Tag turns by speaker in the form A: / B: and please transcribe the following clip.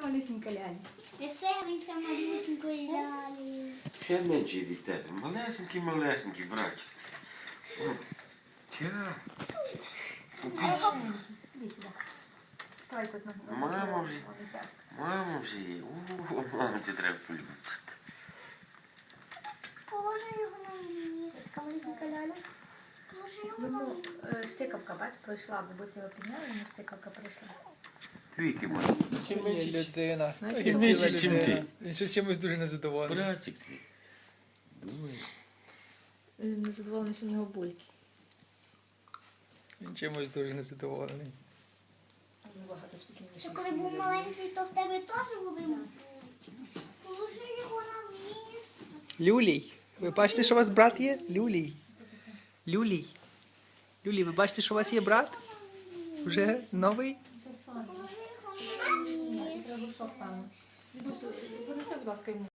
A: малюсенька ляля.
B: Веселися, малюсенької лялі.
C: Ще менший від тебе. Малесенький, малесенький, братчик. Тя.
A: Іди сюди. Стой тут на
C: Мама вже. Мама вже є. О, маму це треба полюбити.
B: Положи його на місце. Малюсенька ляля. Положи його на
A: Йому
B: місце.
A: щикавка, бач, пройшла, бабуся його підняла, йому щикавка пройшла.
C: Віки мої. Чим
D: Ні,
C: менший,
D: людина.
A: Значить,
D: Він
C: менше,
D: ціла
C: чим
D: людина.
C: ти.
D: Він щось чимось дуже незадоволений.
C: братчик твій. Думаю.
A: Він незадоволений, що в нього бульки.
D: Він чимось дуже незадоволений.
A: Багато спокійніше.
B: Ти коли був маленький, то в тебе теж були бульки. Положи його на місце.
D: Люлій, ви бачите, що у вас брат є? Люлій. Люлій. Люлій, ви бачите, що у вас є брат? Вже новий?
A: Це сонце.
B: Положи його на місце.
A: Ні, треба сок, певно. Принеси, будь ласка, йому.